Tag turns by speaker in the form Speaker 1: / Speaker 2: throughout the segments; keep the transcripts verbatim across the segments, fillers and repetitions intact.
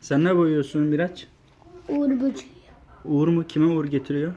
Speaker 1: Sen ne boyuyorsun Miraç?
Speaker 2: Uğur böceği.
Speaker 1: Uğur mu? Kime uğur getiriyor?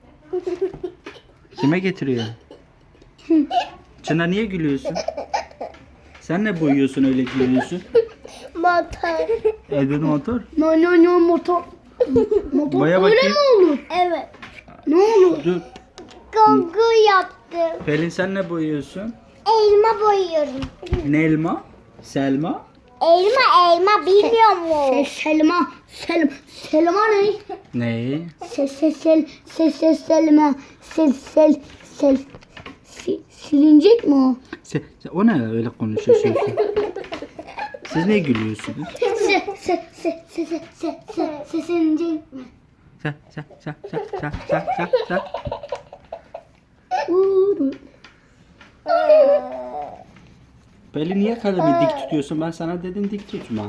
Speaker 1: Kime getiriyor? Çınar niye gülüyorsun? Sen ne boyuyorsun öyle gülüyorsun?
Speaker 2: Motor.
Speaker 1: Evde motor.
Speaker 2: No no no motor. Motor
Speaker 1: Boya
Speaker 2: öyle
Speaker 1: bakayım.
Speaker 2: mi olur? Evet. Ne olur?
Speaker 1: Dur.
Speaker 2: Gogo yaptım.
Speaker 1: Pelin sen ne boyuyorsun?
Speaker 2: Elma boyuyorum.
Speaker 1: Nelma? Selma?
Speaker 2: Elma elma bilmiyor mu? Selma. Selma. Selma ne?
Speaker 1: Ne?
Speaker 2: Sel sel sel sel sel selma. Sel sel sel. Si- silinecek mi o?
Speaker 1: Se, se- o ne öyle konuşuyorsun? Siz ne gülüyorsunuz?
Speaker 2: Se se se se se se se se silinecek mi?
Speaker 1: Sa sa sa sa sa sa sa sa.
Speaker 2: Uğur.
Speaker 1: Pelin niye kalemi dik tutuyorsun? Ben sana dedim dik tutma.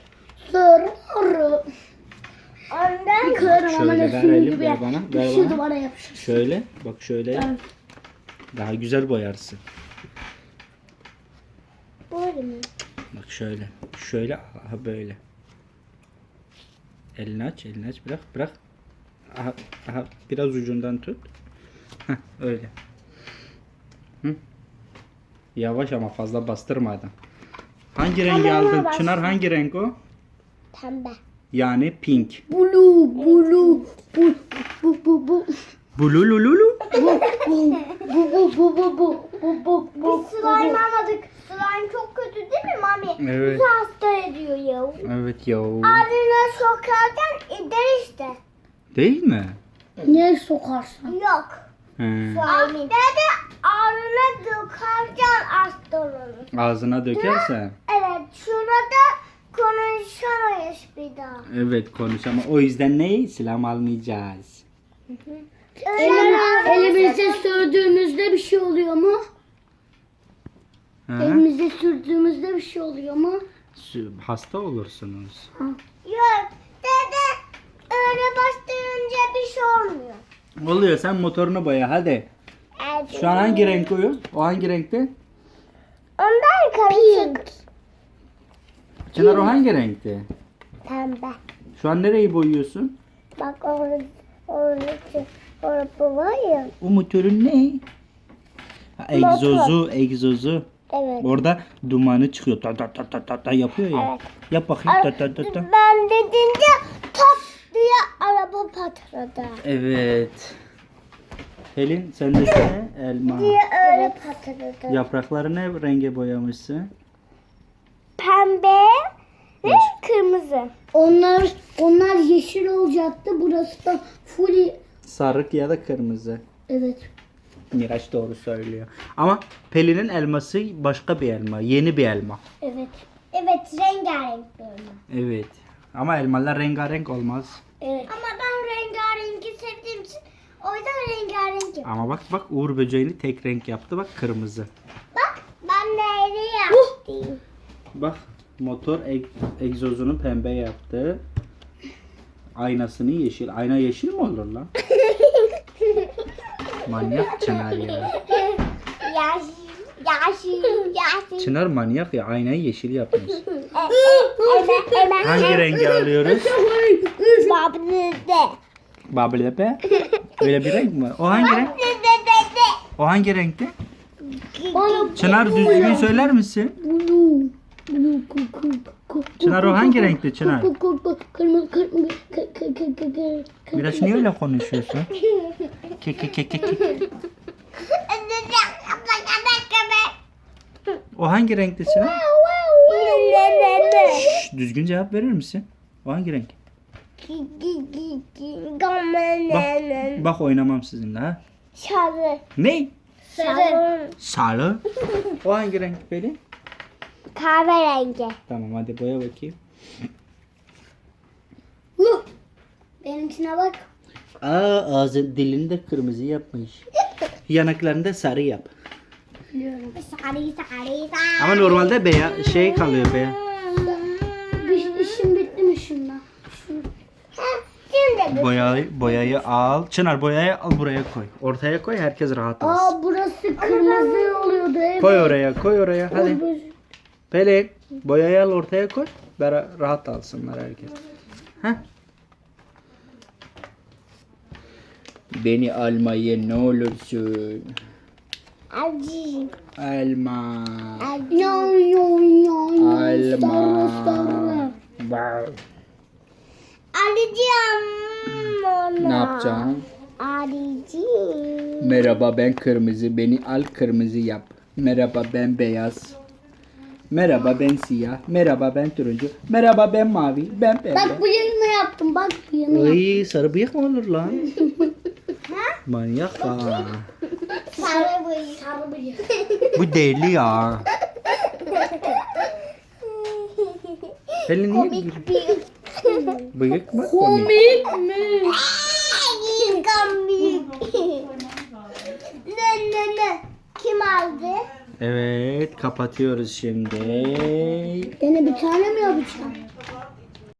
Speaker 2: Soru. Ondan kırarım ama
Speaker 1: Şöyle
Speaker 2: ne
Speaker 1: ver
Speaker 2: sinir
Speaker 1: elim,
Speaker 2: gibi
Speaker 1: ver
Speaker 2: yap.
Speaker 1: bana, ver
Speaker 2: Şu
Speaker 1: bana.
Speaker 2: duvara yapışır.
Speaker 1: Şöyle bak şöyle yap.
Speaker 2: Evet.
Speaker 1: Daha güzel boyarsın.
Speaker 2: Böyle mi?
Speaker 1: Bak şöyle. Şöyle aha böyle. Elini aç, elini aç. Bırak, bırak. Aha, aha biraz ucundan tut. Heh, öyle. Hı? Yavaş ama fazla bastırmadan. Hangi rengi
Speaker 2: Tamam,
Speaker 1: aldın?
Speaker 2: bastım.
Speaker 1: Çınar hangi renk o?
Speaker 2: Pembe.
Speaker 1: Yani pink.
Speaker 2: Blue, blue, bu, bu, bu, bu.
Speaker 1: Bululululu.
Speaker 2: Bu, bu, bu, bu, bu, bu, bu, bu, bu. Biz slime almadık. Slime çok kötü değil mi mami?
Speaker 1: Evet.
Speaker 2: Bizi hasta ediyor ya.
Speaker 1: Evet ya.
Speaker 2: Ağzına sokarken eder işte.
Speaker 1: Değil mi?
Speaker 2: Niye sokarsın? Yok.
Speaker 1: He.
Speaker 2: Slime. Dede ağzına sokarken hasta olur.
Speaker 1: Ağzına dökersen.
Speaker 2: Evet şurada konuşamayız bir daha.
Speaker 1: Evet konuş ama o yüzden ne? Silah almayacağız.
Speaker 2: Elimizde sürdüğümüzde bir şey oluyor mu?
Speaker 1: Ha?
Speaker 2: Elimizde sürdüğümüzde bir şey oluyor mu?
Speaker 1: Sü- Hasta olursunuz.
Speaker 2: Yok. Dede öyle bastırınca bir şey olmuyor.
Speaker 1: Oluyor sen motorunu boya hadi.
Speaker 2: Evet.
Speaker 1: Şu an hangi renk o? O hangi renkte?
Speaker 2: Ondan karışık.
Speaker 1: Çınar o hangi renkte?
Speaker 2: Pembe.
Speaker 1: Şu an nereyi boyuyorsun?
Speaker 2: Bak orada orada orada var ya.
Speaker 1: O motorun ne? Ha, egzozu, egzozu.
Speaker 2: Evet.
Speaker 1: Orada dumanı çıkıyor. Ta ta ta ta ta, ta yapıyor ya.
Speaker 2: Evet.
Speaker 1: Yap bakayım ta ta ta ta.
Speaker 2: Ben dediğince pat diye araba patladı.
Speaker 1: Evet. Pelin sende ne? Elma.
Speaker 2: Diye öyle patladı.
Speaker 1: Yaprakları ne renge boyamışsın?
Speaker 2: Pembe ve kırmızı. Onlar onlar yeşil olacaktı. Burası da full.
Speaker 1: Sarık ya da kırmızı.
Speaker 2: Evet.
Speaker 1: Miraç doğru söylüyor. Ama Pelin'in elması başka bir elma. Yeni bir elma.
Speaker 2: Evet. Evet, rengarenk bir elma.
Speaker 1: Evet. Ama elmalar rengarenk olmaz.
Speaker 2: Evet. Ama ben rengarenki sevdiğim için o yüzden rengarenk yapıyorum.
Speaker 1: Ama bak bak Uğur böceğini tek renk yaptı. Bak kırmızı.
Speaker 2: Bak ben neyli yaptım.
Speaker 1: Bak motor eg- egzozunu pembe yaptı. Aynasını yeşil. Ayna yeşil mi olur lan? Manyak Çınar ya.
Speaker 2: Yaşı, yaşı, yaşı.
Speaker 1: Çınar manyak ya. Aynayı yeşil yapmış.
Speaker 2: Hemen,
Speaker 1: Hangi rengi alıyoruz?
Speaker 2: Bablı'da.
Speaker 1: Bablepe. Öyle bir renk mi? O hangi renk? O hangi renkti? Çınar düzgün söyler misin?
Speaker 2: Blue. Blue. Ku, ku, ku,
Speaker 1: Çınar o hangi renkti Çınar?
Speaker 2: ku, ku, ku, Kırmızı, kırmızı, kı, kı, kı, kı, kı, kı.
Speaker 1: Biraz niye öyle konuşuyorsun? Ke ke ke ke ke. O hangi renkti Çınar? Şşş, düzgün cevap verir misin? O hangi renk? Bak, bak oynamam sizinle ha.
Speaker 2: Sarı.
Speaker 1: Ne?
Speaker 2: Sarı.
Speaker 1: Sarı. O hangi renk Pelin?
Speaker 2: Kahverengi.
Speaker 1: Tamam hadi boya bakayım.
Speaker 2: Huh. Benimkine bak.
Speaker 1: Aa ağzı dilini de kırmızı yapmış. Yanaklarını da sarı yap.
Speaker 2: Biliyorum. Sarı sarı
Speaker 1: Ama normalde beyaz şey kalıyor beyaz.
Speaker 2: Bir işim bitti mi şundan? Şimdi
Speaker 1: Boyayı, boyayı al. Çınar boyayı al buraya koy. Ortaya koy herkes rahat alsın.
Speaker 2: Aa burası kırmızı oluyordu. Evet.
Speaker 1: Koy oraya koy oraya hadi. Pelin boyayı al ortaya koy. Bera- rahat alsınlar herkes. Heh. Beni almayın ne olursun.
Speaker 2: Acı.
Speaker 1: Alma.
Speaker 2: Yo yo yo.
Speaker 1: Alma. Wow.
Speaker 2: Arayacağım onu.
Speaker 1: Ne yapacağım?
Speaker 2: Arayacağım.
Speaker 1: Merhaba ben kırmızı. Beni al kırmızı yap. Merhaba ben beyaz. Merhaba ben siyah. Merhaba ben turuncu. Merhaba ben mavi. Ben pembe.
Speaker 2: Bak bıyığını yaptım. Bak bıyığını yaptım.
Speaker 1: Ay sarı bıyık mı olur lan?
Speaker 2: Ha?
Speaker 1: Manyak ha.
Speaker 2: Sarı bıyık. Sarı bıyık.
Speaker 1: Bu deli ya. Hele niye
Speaker 2: Komik bıyık.
Speaker 1: bıyık mı? Komik.
Speaker 2: Komik mi? Komik. Ne ne ne? Kim aldı?
Speaker 1: Evet kapatıyoruz şimdi.
Speaker 2: Gene bir tane mi yapacağım?